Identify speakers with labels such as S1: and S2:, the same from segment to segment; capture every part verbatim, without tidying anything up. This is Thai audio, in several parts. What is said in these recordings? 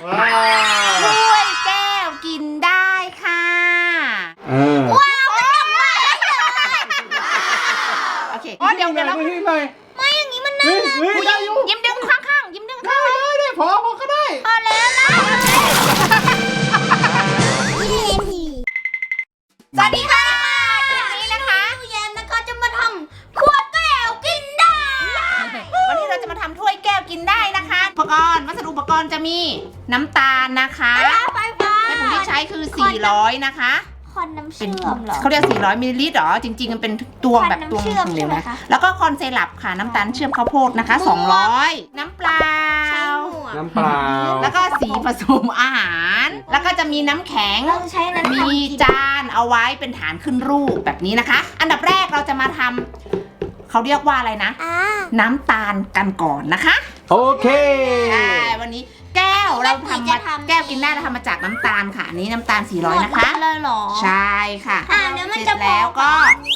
S1: ว้าวถ้วยแก้วกินได้ค่ะว้าวโอเคอ๋อเดี๋ยวเดี๋ยวเรา
S2: ไม่อย่างนี้มันน่ารัก
S1: ยิ้มดึงข้างๆยิ้มดึงข้างๆ
S3: ได้ได้พอพอก็ได้
S2: พอแล้วนะ
S1: สวัสดีค่ะคลิปนี้นะคะ
S2: ผู้แยมนะคะจะมาทำขวดแก้วกินได้
S1: วันนี้เราจะมาทำถ้วยแก้วกินได้นะคะอุปกรณ์วัสดุอุปกรณ์จะมีน้ำตาลนะคะ
S2: ไฟฟ้า
S1: แม่ปุ๋ยที่ใช้คือสี่ร้อยนะคะ
S2: คอนน้ำเชื่อมเหรอ
S1: เขาเรียกสี่ร้อยมิลลิลิตรหรอจริงๆมันเป็นตวงแบบตวงเหลวนะแล้วก็คอนเซรัปค่ะน้ำตาลเชื่อมข้าวโพดนะคะสองร้อยน้ำเปล่า
S3: น้ำเปล่า
S1: แล้วก็สีผสมอาหารแล้วก็จะมีน้ำแข็งมีจานเอาไว้เป็นฐานขึ้นรูปแบบนี้นะคะอันดับแรกเราจะมาทำเขาเรียกว่าอะไรนะน้ำตาลกันก่อนนะคะ
S3: โอเค
S1: ใช่วันนี้แก้วเราทำมาแก้วกินได้เราทำมาจากน้ำตาลค่ะอันนี้น้ำตาลสี่ร้อยนะคะ
S2: เลยหรอ
S1: ใช่ค่ะ
S2: เดี๋ยวมัน
S1: จะแล้วก็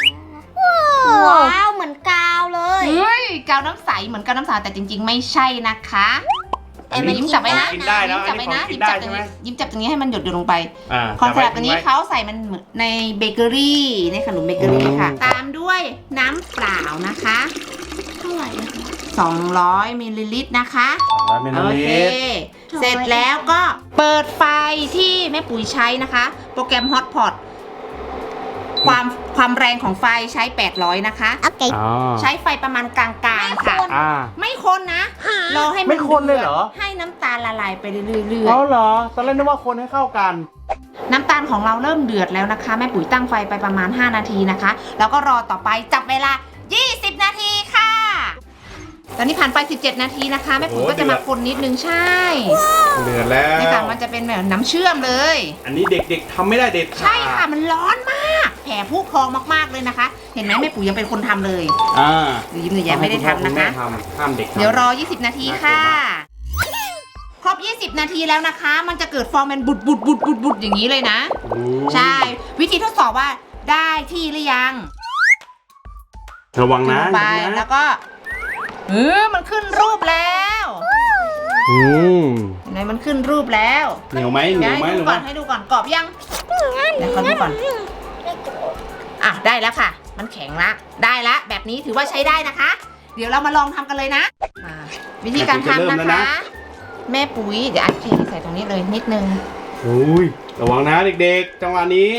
S2: ว้าวเหมือนกาวเลย
S1: เฮ้ยกาวน้ำใสเหมือนกาวน้ำใสแต่จริงๆไม่ใช่นะคะแต่ยิ้มจับไว้นะยิ้มจับไว้นะยิ้มจับตรงนี้ยิ้มจับตรงนี้ให้มันหยดหยดลงไปคอนเซปต์อันนี้เขาใส่มันในเบเกอรี่ในขนมเบเกอรี่ค่ะตามด้วยน้ำเปล่านะคะ
S2: เท่าไหร่
S1: สองร้อยมิลลิลิตรนะคะ
S3: สองร้อยมิลลิลิตร
S1: เสร็จแล้วก็เปิดไฟที่แม่ปุ๋ยใช้นะคะโปรแกรม Hotpot ความความแรงของไฟใช้แปดร้อยนะคะโอเคใช้ไฟประมาณกลางๆค่ะไม่คนนะรอให้มัน
S3: ไม่คนเลยเหรอ
S1: ให้น้ำตาลละลายไปเรื่อยๆ
S3: อ๋อเหรอตอนแรกนึกว่าคนให้เข้ากัน
S1: น้ำตาลของเราเริ่มเดือดแล้วนะคะแม่ปุ๋ยตั้งไฟไปประมาณห้านาทีนะคะแล้วก็รอต่อไปจับเวลายี่สิบนาทีค่ะตอนนี้ผ่านไปสิบเจ็ดนาทีนะคะแม่ปุ๋ยก็จะมาคนนิดนึงใช่
S3: เดือดแล้ว
S1: นี่ค่ะมันจะเป็นแบบน้ำเชื่อมเลย
S3: อันนี้เด็กๆทำไม่ได้เด็ด
S1: ใช่ค่ะมันร้อนมากแผ่ผู้พองมากๆเลยนะคะเห็นไหมแม่ปุ๋ยยังเป็นคนทำเลย
S3: อ่า
S1: ยิ้มหนูแย้มไม่ได้ทำนะคะ
S3: ห้ามเด็ก
S1: เดี๋ยวรอยี่สิบนาทีค่ะครบยี่สิบนาทีแล้วนะคะมันจะเกิดฟองเป็นบุดบุดบุดบุดบุดอย่างนี้เลยนะใช่วิธีทดสอบว่าได้ที่หรือยัง
S3: ระวังนะ
S1: ไปแล้วก็เออมันขึ้นรูปแล้ว
S3: อืม
S1: ไหนมันขึ้นรูปแล้ว
S3: เหนียวไหมเหนียวไหม
S1: ให้ดูก่อนให้ดูก่อนกรอบยังเดี๋ยวขอดูก่อนอ่ะได้แล้วค่ะมันแข็งละได้ละแบบนี้ถือว่าใช้ได้นะคะ เดี๋ยวเรามาลองทำกันเลยนะวิธีการทำนะคะแม่ปุ๋ยเดี๋ยวอัดเทใส่ตรงนี้เลยนิดนึง
S3: อุ้ยระวังนะเด็กๆจังหวะนี้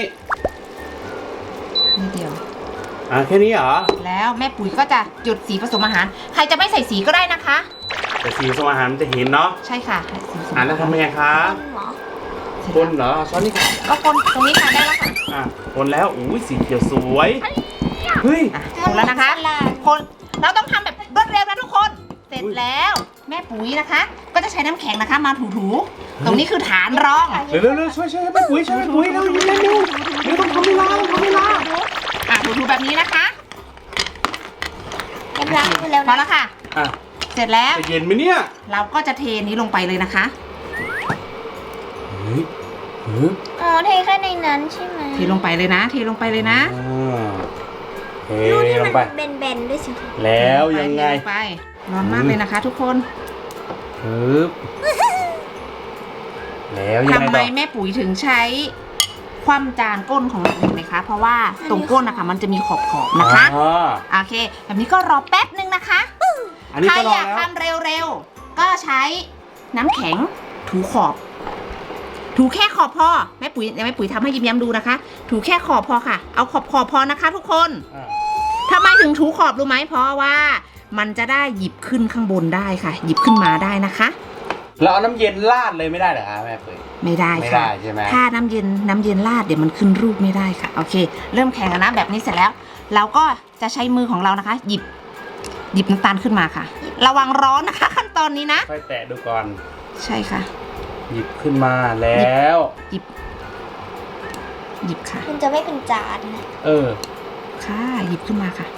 S1: นิดเดียว
S3: อ่ะแค่นี้เหรอ
S1: แล้วแม่ปุ๋ยก็จะหยดสีผสมอาหารใครจะไม่ใส่สีก็ได้นะคะ
S3: แต่สีผสมอาหารมันจะเห็นเนาะ
S1: ใช่ค่ะ
S3: อ่ะแล้วทำยังไงคะคนเหรอช้อนนี่
S1: ก็คนตรงนี้ค่ะได้แล้วค่ะ
S3: อ่ะคนแล้วอุ้ยสีเขียวสวยเฮ้ย
S1: คนแล้วนะคะคนเราต้องทำแบบรวดเร็วนะทุกคนเสร็จแล้วแม่ปุ๋ยนะคะก็จะใช้น้ำแข็งนะคะมาถูๆตรงนี้คือฐานรอง
S3: เร็วๆช่วยช่วยแม่ปุ๋ยช่วยแม่ปุ๋ยเร็วๆเร็วๆเร็วต้องทำเวลาต้องทำเวลา
S1: อ่ะถูๆแบบนี้นะคะ
S2: เรียบร้อยแล้ว
S1: พอแล้วค่ะ
S3: อ่ะ
S1: เสร็จแล้ว
S3: จะเย็นไหมเนี่ย
S1: เราก็จะเทนี้ลงไปเลยนะคะ
S3: เฮ้ย
S2: อ๋อเทแค่ในนั้นใช่ไหม
S1: เทลงไปเลยนะเทลงไปเลยนะ
S3: เทลงไป
S2: เบนๆด้วยสิ
S3: แล้วยังไง
S1: ไปร้อนมากเลยนะคะทุกคน
S3: ปึ๊บแล้วยังไงต่อ
S1: ทำไมแม่ปุ๋ยถึงใช้คว่ำจานก้นของเราเห็นไหมคะเพราะว่าตรงก้นนะคะมันจะมีขอบๆนะคะโอเคแบบนี้ก็รอแป๊บนึงนะคะใครอยากทำเร็วๆก็ใช้น้ำแข็งถูขอบถูแค่ขอบพอแม่ปุ๋ยแม่ปุ๋ยทำให้ยิ้มย้ำดูนะคะถูแค่ขอบพอค่ะเอาขอบขอบพอนะคะทุกคนทำไมถึงถูขอบรู้ไหมเพราะว่ามันจะได้หยิบขึ้นข้างบนได้ค่ะหยิบขึ้นมาได้นะคะ
S3: เราเอาน้ำเย็นราดเลยไม่ได้เหรอคะแม่ปุ๋ย
S1: ไม่ได้ค่ะ
S3: ใช่ไหม
S1: ถ้าน้ำเย็นน้ำเย็นราดเดี๋ยวมันขึ้นรูปไม่ได้ค่ะโอเคเริ่มแข่งกันนะแบบนี้เสร็จแล้วเราก็จะใช้มือของเรานะคะหยิบหยิบน้ำตาลขึ้นมาค่ะระวังร้อนนะคะขั้นตอนนี้นะ
S3: ค่อยแตะดูก่อน
S1: ใช่ค่ะ
S3: หยิบขึ้นมาแล้ว
S1: หยิบหยิบค่ะ
S2: มันจะไม่เป็นจานนะ
S3: เออ
S1: ค่ะหยิบขึ้นมาค่ะ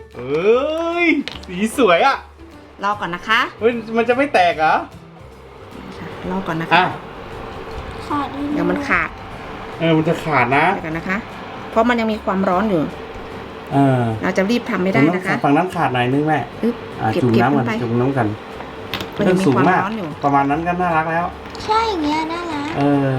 S3: เอ้ยสีสวยอ่ะ
S1: รอก่อนนะคะ
S3: เฮ้ยมันจะไม่แตกเหรอ
S1: รอก่อนนะ
S3: อ่ะ
S1: คะ
S2: ขาดอีก
S1: เดี๋ยวมันขาด
S3: เออมันจะขาดนะ
S1: เดี๋ยวกันนะคะ เพราะมันยังมีความร้อนอยู่
S3: เออ
S1: เราจะรีบทำไม่ได้นะคะ
S3: ฝั่งนั้นขาดหน่อยนึงแม่
S1: อึ๊บ
S3: อ่ะ
S1: เก็บ
S3: จุ่ม
S1: เก็บ
S3: น้ำ
S1: ล
S3: กั
S1: ง
S3: น
S1: ไป
S3: จุ่มน้ำกัน
S1: มันยังมี
S3: สูง
S1: ความ
S3: มาก
S1: ร้อนอยู่
S3: ประมาณนั้นก็น่ารักแล้ว
S2: ใช่อย่างเงี้ยน่ารัก
S3: เออ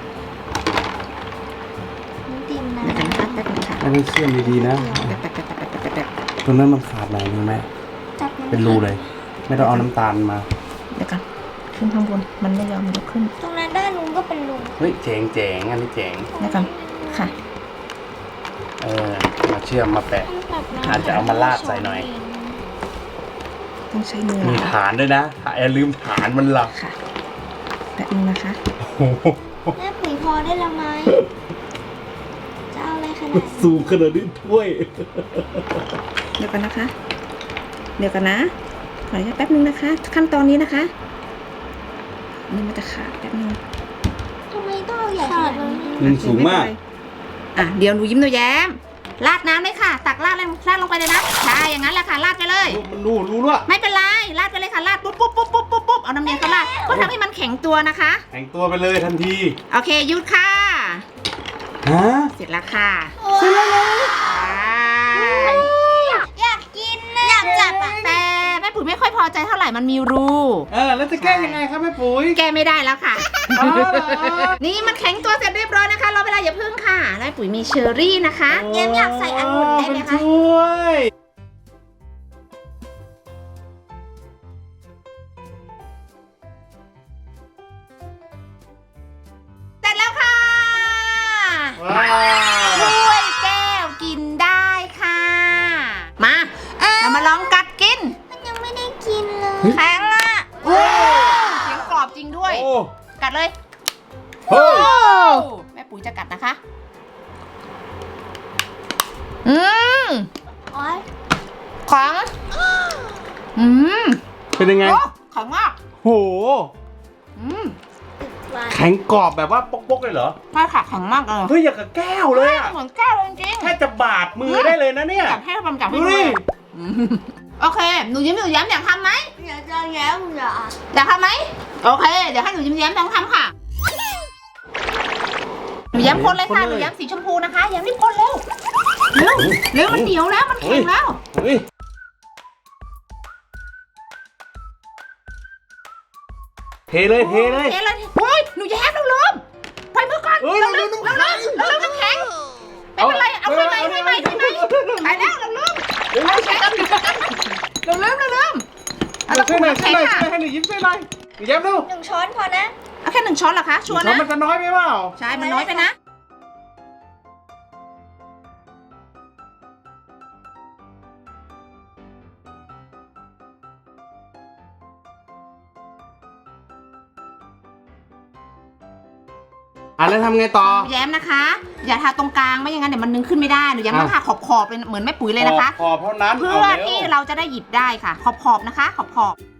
S2: น้ำติมนะ
S1: เดี๋ยวกันนะคะแป๊บนึงค่ะ
S3: ให้มันเชื่อมดีๆนะ
S1: แป๊บแป๊บแป๊บแป๊บแป๊บแป๊บแป๊บ
S3: ตรงนั้นมันขาดหน่อยนึงแม่
S2: จับมั
S3: เป็นรูเลย ไม่ต้องเอาน้ำตาลมา
S1: เดี๋ยวกันขึ้นข้างบนมันไม่ยอมยกขึ้น
S2: ตรงนั้นด้านนู้นก็เป็นรู
S3: เฮ้ยเจ๋งเจ๋งอันนี้เจ๋ง
S1: เดี๋ยวกันค่ะ
S3: เออมาเชื่อมมาแปะ
S2: แบบนั้น
S3: อาจจะเอามาลาดใส่หน่อย
S1: ต้องใช้มือ
S3: มี
S1: นะคะ
S3: ฐานด้วยนะอย่าลืมฐานมันหลัก
S1: ค่ะแป๊บนึงนะคะ
S3: โอ้โห
S2: แม่ปุ๋ยพอได้ละไหมจะเอาอะไรขนาด
S3: มัน
S2: นั้น
S3: สูงขนาดนี้ถ้วย
S1: เดี๋ยวกันนะคะ เดี๋ยวกันนะขออนุญาตแป๊บนึงนะคะ ขั้นตอนนี้นะคะนี่มันจะขาดแป๊บนึง
S2: ทำไมต้องเอาใหญ่ขนาดนี้
S3: มันสูงมาก
S1: อ่ะเดี๋ยวหนูยิ้มหนูแย้มราดน้ำเลยค่ะ ตักราดเลยราดลงไปเลยนะใช่อย่างนั้นแหละค่ะราดไปเลย
S3: มันรู้รู้ด้วย
S1: ไม่เป็นไรราดไปเลยค่ะราดปุ๊บปุ๊บปุ๊บปุ๊บปุ๊บปุ๊บเอาน้ำเย็นก็ราดก็ทำให้มันแข็งตัวนะคะ
S3: แต่งตัวไปเลยทันที
S1: โอเคหยุดค่ะ
S3: ฮะ
S1: เสร็จแล้วค่ะ
S2: เสร็จแล้ว
S1: ใช่
S2: อยากกินนะอยากจับอ่ะ
S1: แต่แม่ปุ๋ยไม่ค่อยพอใจเท่าไหร่มันมีรู
S3: เออแล้วจะแก้ยังไงครับแม่ปุ๋ย
S1: แก้ไม่ได้แล้วค่ะ
S3: อ๋อเหรอ
S1: นี่มันแข็งตัวเสร็จเรียบร้อยนะคะรอเวลาอย่าพึ่งค่ะแม่ปุ๋ยมีเชอร์รี่นะคะ
S2: เย็มอยากใส่องุ่นได้ไหมคะ
S3: นช่วย
S1: เสร็จแล้วค่ะ
S3: ว้าว
S1: ถ้วยแก้วกินได้ค่ะ มาเรามาลองกัดกิน
S2: มันยังไม่ได้กินเลย
S1: แข็งอ่ะโอ้เสียงกรอบจริงด้วย
S3: โอ้
S1: กัดเลย
S3: เฮ้ย
S1: แม่ปุ๋ยจะกัดนะคะ อืม
S2: โอ๊ย
S1: แข็งอืม
S3: เป็นยังไง
S1: โอ้แข็งมาก
S3: โห
S1: อืม
S2: หวาน
S3: แข็งกรอบแบบว่าปกๆเลยเหรอ
S1: ใช่ค่ะแข็งมากเลย
S3: เฮ้ยอย่างกับแก้วเลยอ่ะ
S1: เหมือนแก้วเลยจริง
S3: แค่จะบาดมือได้เลยนะเนี่ย
S1: จับให้มันจับให้
S3: ดู
S1: ดู
S3: ดิ
S1: อืมโอเค หนูยิ้มหนูแย้มอยากทำไหม
S2: อยากจะแย้มเหรอ
S1: อยากทำไหมโอเค เดี๋ยวให้หนูยิ้มแย้มต้องทำค่ะ หนูแย้มคนเลยค่ะ หนูแย้มสีชมพูนะคะแย้มรีบคนเร็ว เร็ว เร็วมันเหนียวแล้วมันแข็งแล้ว
S3: เฮ้ยเทเลยเทเลย
S1: เทเลยเฮ้ยหนูแย้มเราลืมไปมือก่อน
S3: เอ้ย
S1: เรา
S3: เราลื
S1: ลื
S3: ม
S1: ม
S3: น้ำ
S1: เรา
S3: แข็ง
S1: ลืมเราลืมน้ำแข็งไม่เป็นไร เอาไฟไหม้ไฟไหม้ไฟไหม้ไปแล้วเราลืม
S3: เดี๋ยวเราใช้กัน
S1: เราลืมเราลืมเอาตะ
S3: ช่
S1: กุ
S3: วย
S1: ด
S3: หน่อย
S1: น้ำ
S3: ช่วย
S1: แข็ง
S3: หน่อยช่วยให้ห
S1: ค่ะ
S3: นูยิ้มช่วยหน่อยหนูยิ้มดู
S2: หนึ่งช้อนพอนะ
S1: เอาแค่หนึ่งช้อนเหรอคะชัวร์
S3: ช้อน
S1: นะ
S3: มันจะน้อยไปเปล่า
S1: ใช่ มันน้อยไปนะ
S3: อ่ะแล้วทำไงต่อ
S1: หนูแย้มนะคะ อย่าทาตรงกลางไม่อย่างนั้นเดี๋ยวมันนึงขึ้นไม่ได้หนูแย้มต้องทาขอบขอบๆเป็นเหมือนแม่ปุ๋ยเลยนะคะ
S3: ขอบเท่านั้น
S1: เพื่อที่เราจะได้หยิบได้ค่ะ ขอบขอบๆนะคะ ขอบขอบๆ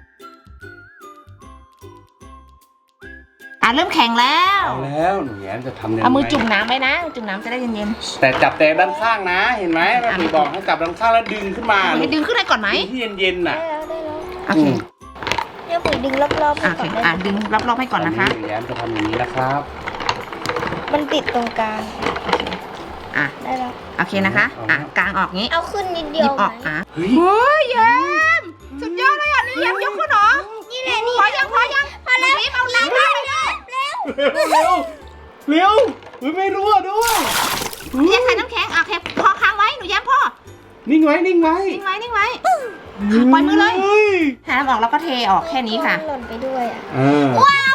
S1: อ่ะเริ่มแข็งแล้ว
S3: เอาแล้วหนูแย้มจะทำยังไง
S1: เอามือจุ่มน้ำไว้นะ จุ่มน้ำจะได้เย็น
S3: แต่จับแต่ด้านข้างนะ เห็นไหมแม่ปุ๋ยบอกให้จับด้านข้างแล้วดึงขึ้นมา
S1: ๆให้ดึงขึ้นได้ก่อนไหม
S3: ดึงที่เย็นๆ
S2: ได้
S3: น่ะ
S2: แล้วได้แล้ว
S1: โอเค
S3: อืม
S2: เดี๋ยวปุ๋ยดึงรอบๆให้
S1: โอเค
S2: ก่อนได้
S1: อ่ะ
S2: ไหม
S1: ดึงรอบๆให้ก่อนนะคะ
S3: หนูแย้มจะทำอย่างนี้นะครับ
S2: มันติดตรงกลาง
S1: อ่ะ
S2: ได้แล้ว
S1: โอเคนะคะ อ่ะกลางออกงี้
S2: เอาขึ้นนิด
S1: ห
S2: เดีย
S1: ยิ
S2: ว
S1: บออก
S2: ไหม
S1: อ่ะ
S3: เฮ้ย
S1: เฮ้ยแย้มสุดยอดเลยอ่ะนี่แย้มยกขึ้นเหรอ
S2: นี่แหละนี่
S1: พอยังพอยังพอแล้วเอาน้ำราดเลย
S2: เร็ว
S3: เร็วเร็วเร็วเฮ้ยไม่รั่วด้วย
S1: แย้มใส่น้ำแข็งอ่ะโอเคพอค้างไว้หนูแย้มพ่อ
S3: นิ่งไว้นิ่งไว้
S1: นิ่งไว้นิ่งไว้ ปล่อยมือเลย
S3: ฮ้
S1: หาน้ำออกแล้วก็เทออกแค่นี้ค่ะ
S2: หล่นไปด้วยอ่ะ
S3: เออ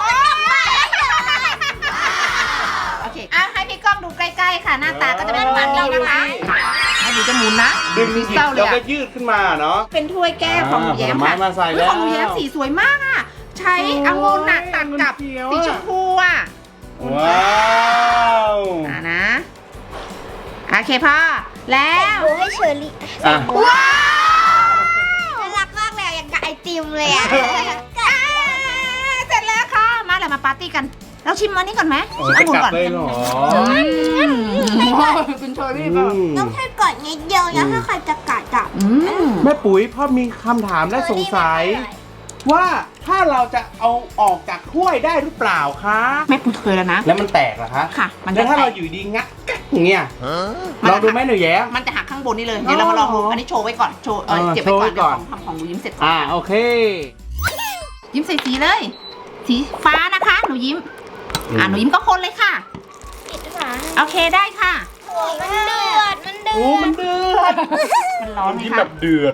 S1: โอเคอ่ะให้พี่ก้องดูใกล้ๆค่ะ หน้าตาก็จะเป็นประมาณนี้นะคะให้ดูจะหมุนนะ
S3: ดึง
S1: มี
S3: หยิบ
S1: เศร้าเล
S3: แล้
S1: ยว อ่ะ
S3: ก็ยืดขึ้นมาเนาะ
S1: เป็นถ้วยแก้วของหนูแย้มค่ะ
S3: ผลไม้มาใส่
S1: เฮ้ยของหนู
S3: แล้ว
S1: แย้มสีสวยมากอ่ะ ใช้องุ่นน่ะตัดกับ
S3: เขียว
S1: สี
S3: อะ
S1: ชมพูอ่ะ
S3: ว้าว
S1: อ่ะนะ โอเคพ่อ แล้ว
S2: ดูให้เชอรี่
S3: อ่ะ
S1: ว้าว
S2: น่ารักมากเลยอย่างกับไอติมเลยอ่ะ
S1: อ่าเสร็จแล้วค่ะ มาเลยมาปาร์ตี้กันเราชิมอันนี้ก่อนไหม
S3: โอ้
S1: ชิมองุ่นก่อน
S3: จะกลับเลยเหรอ
S1: อืมเป็นเชอรี่เปล่า
S2: ต้องให้ก่อนนิดเดียวนะถ้าใครจะกัดจับ
S1: อืม
S3: แม่ปุ๋ยพ่อมีคำถามและสงสัย ว่าถ้าเราจะเอาออกจากถ้วยได้หรือเปล่าคะ
S1: แม่ปุ๋ยเคยแล้วนะ
S3: แล้วมันแตกเหรอคะ
S1: ค่ะ มัน
S3: แล้
S1: จะ
S3: วถ้า
S1: แต
S3: เรา
S1: ก
S3: อยู่ดีงัดกักอย่างเงี้ย
S1: มัน
S3: ล
S1: จะ
S3: องดูไหมหนูแย้
S1: มันจะหักข้างบนนี่เลย เดี๋ยวเรามาลองดู
S3: อ๋ออั
S1: อันนี้โชว์ไว้ก่อน โชว์ เออ
S3: เออ
S1: เก็บไว้ก่อน
S3: โชว์ไว้ก่อน
S1: เดี๋ยวทำของหนูยิ้มเสร็จก่อน
S3: อ่าโอเค
S1: ยิ้มใส่สีเลย สีฟ้านะคะ หนูยิ้ม อ่าหนูยิ้มก็คนเลยค่ะ
S2: ปิดฝา
S1: โอเคได้ค่ะ
S2: โอ้ยมันเดือด มันเดื
S3: โอ้
S2: อ
S3: มัน
S2: ด
S3: เดือด
S1: มันร้อนไหม
S3: ยิ้ม
S1: คะ
S3: แบบเดือด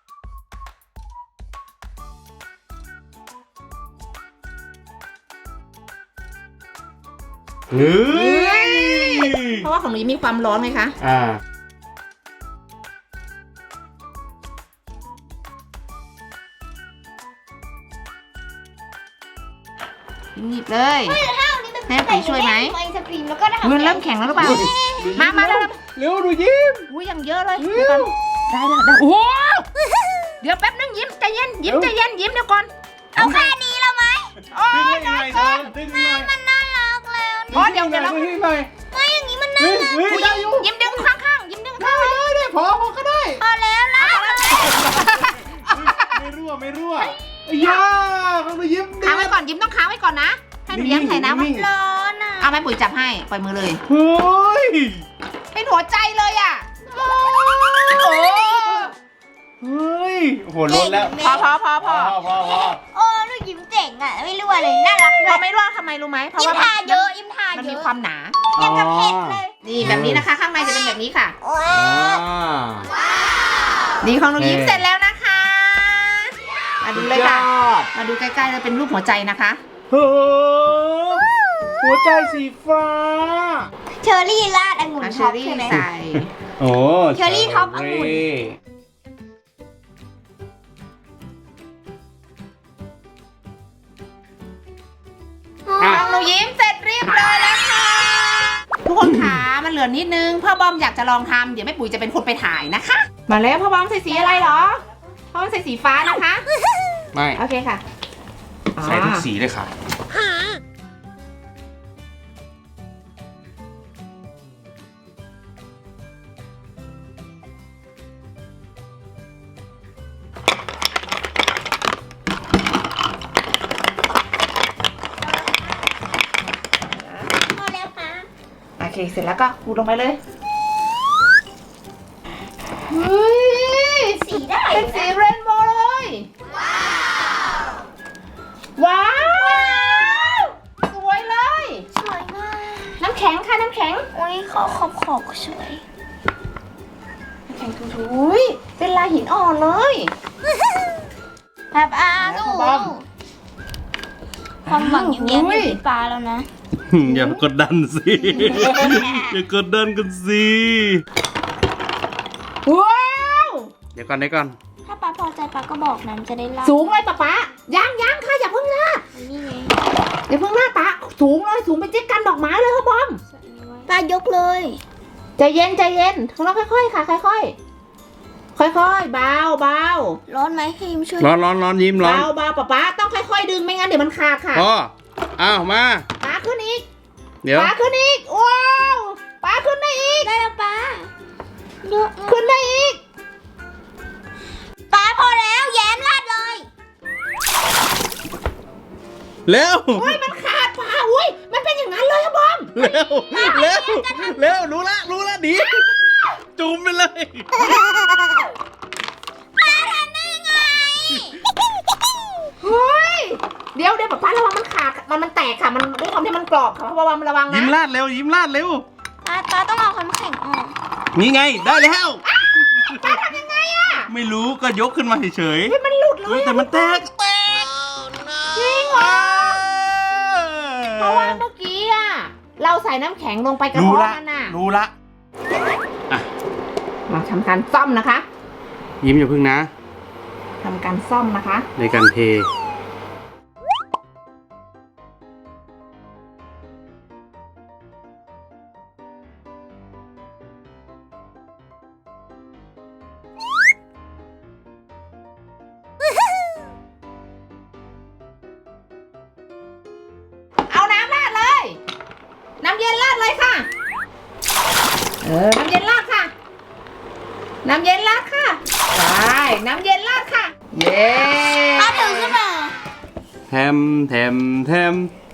S3: เฮ้ย
S1: เพราะว่าของหนูยิ้มมีความร้อนไหมคะ
S3: อ่า
S1: หยิบเลย
S2: ข้าวนี่มัน
S1: แม่ปุ๋ยช่วยไหม
S2: ไอศครีมแล้วก็ทำ
S1: มันเริ่มแข็งแล้วหรือเปล่า มามาแล้ว
S3: เร็วดูยิ้ม
S1: อุ้ยยังเยอะเลยเดี๋ยวก่อนได้แล้วได้โอ้โหเดี๋ยวแป๊บนึงยิ้มใจเย็นยิ้มใจเย็นยิ้มเดี๋ยวก่อน
S2: เอาแค่นี้แล้วไหม
S1: โอ้
S3: ดึง
S1: ย
S3: ยังไงเธอดึงยังไง
S2: มันน่ารักแล้ว
S1: อ๋อเดี๋ยวเดี๋ยวเรา
S3: ดึงยังไง
S2: ไม่อย่างนี้มันน่า
S3: เฮ้ย
S2: รัก
S3: เฮ้ยได้อยู่
S1: ยิ้มดึงข้างๆยิ้มดึงข้าง
S3: ได้ได้พอพอก็ได้
S2: พอแล้วล่ะ
S3: ไม่รั่วไม่รั่วไอ้ยาเขาไปยิ้ม
S1: ค้างไว้ก่อนยิ้มต้องค้างไว้ก่อนนะให้หนูยิ้มใส่น้ำไว้
S2: ร้อนอ่ะ
S1: เอาแม่ปุ๋ยจับให้ปล่อยมือเลย
S3: เฮ้ย
S1: เป็นหัวใจเลยอ่ะโอ้
S3: เฮ้ยโหล้นแล้ว
S1: พอพอพอพ
S3: พ
S1: อ
S3: อพอพอ
S2: โอ้ลูกยิ้มเจ๋งอ่ะ ไม่รู้อะไรน่ารัก
S1: พอไม่รู้ว่าทำไมรู้ไหมเพราะ
S2: ยิ้ม
S1: ว่า
S2: ทาเยอะยิ้มทา
S1: มัน
S2: เย
S1: มี
S2: อะ
S1: ความหนา
S2: ยังกับเผ็ดเลย
S1: นี่แบบนี้นะคะ ข้างในจะเป็นแบบนี้ค่ะ
S2: ว้า
S3: อ่า
S1: นี่ของหนูยิ้ม
S3: เอ๊ะ
S1: เสร็จแล้วนะคะ มาดูเลยค่ะ
S3: สุดยอด
S1: มาดูใกล้ๆเลยเป็นรูปหัวใจนะคะ
S3: เฮ้ยหัวใจสีฟ้า
S2: เชอร์รี่ราดองุ่น
S1: เอาเช
S2: ท็
S1: อ
S2: อป
S1: รี่
S2: ใช่ไหม
S1: ใส่
S3: โอ้
S2: เชอรี่ท็อปองุ่น
S3: อ่ะ
S1: ของหนูยิ้มเสร็จเรียบร้อยแล้วค่ะ ทุกคนขามันเหลือนิดนึงพ่อบอมอยากจะลองทำเดี๋ยวแม่ปุ๋ยจะเป็นคนไปถ่ายนะคะ มาแล้วพ่อบอมใส่สีอะไรเหรอพ่อบอมใส่สีฟ้านะคะ
S3: ไม่
S1: โอเคค่ะ
S3: ใส่ทุกสีเลยค่ะ
S2: พอแล้วค่ะ
S1: โอเคเสร็จแล้วก็ขูดลงไปเลยเฮ้ย
S2: สีได้
S1: เป็นสีเรนโบว์เลย ว้าว สวยเลย
S2: สวยมาก
S1: น้ำแข็งค่ะน้ำแข็ง
S2: อุ้ยขอขอบขอบสวย
S1: น้ำแข็งถูยเป็นลายหินอ่อนเลย
S2: แบบอา
S1: แล้ว
S2: สู
S1: ขอบอม
S2: ความหวังอย่างเงี้ย
S1: อุ้
S2: ไม่
S1: ย
S2: มีปลาแล้วนะ
S3: อย่ากดดันสิ อย่ากดดันกันสิ
S1: ว้าว
S3: เดี๋ยวก่อนเดี๋ยวก่อน
S2: ถ้าปลาพอใจปลาก็บอกนั้นจะได้ลาด
S1: สูงเลยป๊าป๊ายังยังค่ะอย่าเพิ่งลาด
S2: นี่ไง
S1: อย่าเพิ่งลาดป๊าสูงเลยสูงเป็นเจ๊กันดอกไม้เลยพ่อบอม
S2: ปลายกเลย
S1: ใจเย็นใจเย็นของเราค่อยๆค่ะค่อยๆค่อยๆเบาเบา
S2: ร้อนไหมให้ยิ้มช่วย
S3: ร้อนร้อนร้อนยิ้มร้อน
S1: เบาเบาป๊าป๊าต้องค่อยๆดึงไม่งั้นเดี๋ยวมันขาดค่ะ
S3: พออ้าวมา
S1: ป๊าขึ้นอีก
S3: เดี๋ยว
S1: ป๊าขึ้นอีกว้าวป๊าขึ้นได้อีก
S2: ได้แล้วปลาเยอะมาก
S1: ขึ้นได้อีก
S2: ปลาพอแล้วแย้มลาดเลย
S3: เร็ว
S1: โอ้ยมันขาดป๊าอุ้ยมันเป็นอย่างนั้นเลยอะบอม
S3: เร็ว เร็ว เร็ว รู้ละ รู้ละหนีจุ่มไปเลย
S2: ปลาทำได้ยังไง
S1: เฮ้ยเดี๋ยวเดี๋ยวป๊าป๊าระวังมันขาดมันมันแตกค่ะมันด้วยความที่มันกรอบค่ะระวังระวังนะ
S3: ยิ้มลาดเร็ว ยิ้มลาดเร็ว
S2: ปลาปลาต้องเอาความแข็งออก
S3: นี่ไง ได้แล้ว
S1: ป๊าทำยังไงอะ
S3: ไม่รู้ก็ยกขึ้นมาเฉย
S1: เฮ้ยมันหลุดเล
S3: ๆเฮ้
S1: ย
S3: ยแต่มันแตก แตก
S1: จริงเหรอเพราะว่าเมื่อกี้อะเราใส่น้ำแข็งลงไปกระ
S3: รู้
S1: เพาะ
S3: ละ
S1: มันน่ะ
S3: รู้ละ อ่ะ
S1: มาทำการซ่อมนะคะ
S3: ยิ้มอย่าพึ่งนะ
S1: ทำการซ่อมนะคะ
S3: ในการเท
S1: เอาน้ำราดเลเออน้ำเย็นราดค่ะ น้ำเย็นราดค่ะใช่น้ำเย็นราดค่ะเย้
S2: เอาถือขึ้นมา
S3: แทมแทมแทม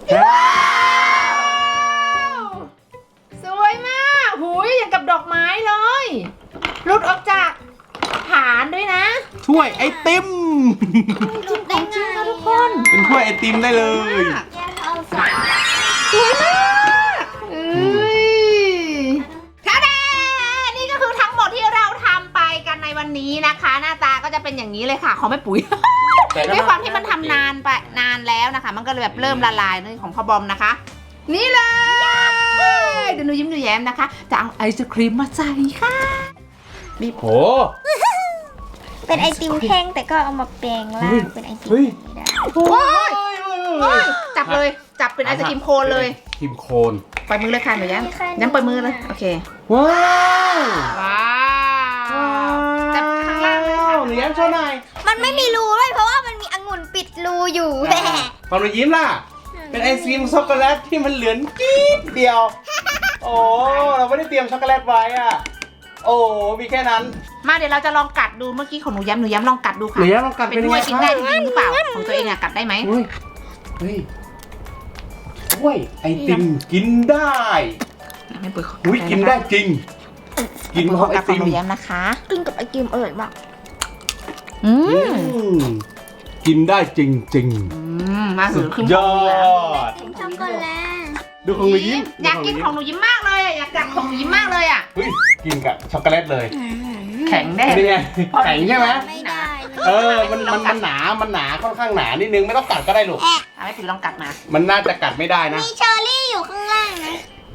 S1: สวยมากหุยอย่างกับดอกไม้เลยหลุดออกจากฐานด้วยนะ
S3: ถ้วยไอติม
S2: ดูได้
S1: จริง
S2: ไง
S1: นะทุกคน
S3: เป็นถ้วยไอติมได้เลย
S2: แย่เอาใส่
S1: สวยมากเอ้ยท่าแดนี่ก็คือทั้งหมดที่เราทำไปกันในวันนี้นะคะ หน้าตาก็จะเป็นอย่างนี้เลยค่ะของแม่ปุ๋ย ด้วยความที่มันทำนานไปนานแล้วนะคะ มันก็เลยแบบเริ่มละลายในของพ่อบอมนะคะ นี่เลยเดี๋ยวหนูยิ้มหนูแย้มนะคะ จะเอาไอศครีมมาใส่ค่ะบีบ
S3: โห
S2: เป็นไอติมแท่งแต่ก็เอามาแปลงร่างเป็นไอติม
S3: เฮ้ย
S2: ได้
S1: โอ้ยโอ้ยจับเลยจับเป็นไอศครีมโคนเลย
S3: ครีมโคน
S1: ปล่อยมือเลยค่ะหนูแย้มย้ำปล่อยมือเลยโอเค
S3: ว้าว
S1: ว้าวจับข้างล่างเลยค่ะ
S3: หนูแย้มโชว์หน่อย
S2: มันไม่มีรูเลยเพราะว่ามันมีองุ่นปิดรูอยู่แหละ
S3: ตอนหนูยิ้มล่ะ เป็นไอศกรีมช็อกโกแลตที่มันเหลือนจี๊ดเดียว โอ้เราไม่ได้เตรียมช็อกโกแลตไว้อะโอ้มีแค่นั้น
S1: มาเดี๋ยวเราจะลองกัดดูเมื่อกี้ของหนูย้ำหนูย้ำลองกัดดู
S3: ห
S1: ค่ะ
S3: นูแย้มลองกัด
S1: เป็
S3: เป็น
S1: น
S3: ยัง
S1: ถ้
S3: ไง
S1: วย
S3: ค
S1: กิน
S3: รับ
S1: ได้จริงหรือเปล่าของตัวเองอะกัดได้ไหม
S3: เฮ้ยเฮ้ยถ้วยไอติมกินได้
S1: ไม่ปุ๋ยขอ
S3: อุ้ยกินได้จริง กิน
S1: ปุ๋ย
S3: ข
S1: ข
S3: อ
S1: อง
S3: ไอ
S1: กัดขอ
S3: ติ
S1: ง
S3: ม
S1: หนูย้ำนะคะ
S2: กินกับไอติมอร่อยมาก
S1: อื
S3: อื
S1: ม
S3: มกินได้จริงจริง
S1: อืมมา
S3: ๆ
S1: ถื
S3: สุ
S1: อ
S3: ด
S1: ขึ้น
S3: ย
S1: ของ
S3: อ
S1: หนูแล้ว
S3: ด
S2: กินช็อกโกแลต
S3: ดูของหนูยิ้ม
S1: อยากกินของหนูยิ้มมากเลยอะอยากกัดของหนูยิ้มมากเลยอะ
S3: เฮ้ยกินกับช็อกโกแลตเลย
S1: แข็งแน่
S3: เป็นไงแข็งใช่ไหม
S2: ไม่ได้
S3: เออมันมันมันหนามันหนาค่อนข้างหนานิดนึงไม่ต้องกัดก็ได้ลูก
S1: เอาให้ปุ๋ยลองกัดมา
S3: มันน่าจะกัดไม่ได้นะ
S2: มีเชอร์รี่อยู่ข้างล่างนะ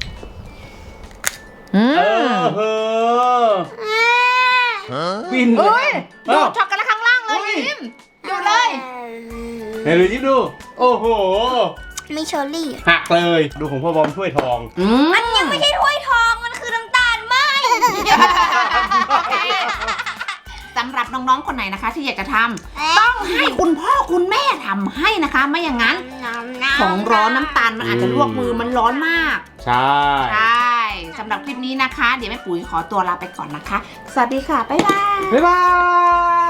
S1: อื
S3: เอ
S1: ม
S3: อเออฟินเล
S1: เอ้ย
S3: ย
S1: ดู
S3: เอ้า
S1: ดช็อกโกแลตข้างล่างเลย
S3: เฮ้ย
S1: ยิ้มดูเลย
S3: ไหนดูยิ้มดู โอ้โห
S2: มีเชอร์รี่
S3: หักเลย ดูของพ่อบอมถ้วยทอง
S1: อืม
S2: มันยังไม่ใช่ถ้วยทองมันคือน้ำตาลไหม
S1: โอเคสำหรับน้องๆคนไหนนะคะ ที่อยากจะทำต้องให้คุณพ่อคุณแม่ทำให้นะคะ ไม่อย่างนั้น ของร้อนน้ำตาลมันอาจจะลวกมือมันร้อนมาก
S3: ใช่
S1: ใช่สำหรับคลิปนี้นะคะ เดี๋ยวแม่ปุ๋ยขอตัวลาไปก่อนนะคะ สวัสดีค่ะ บ๊ายบาย
S3: บ๊ายบาย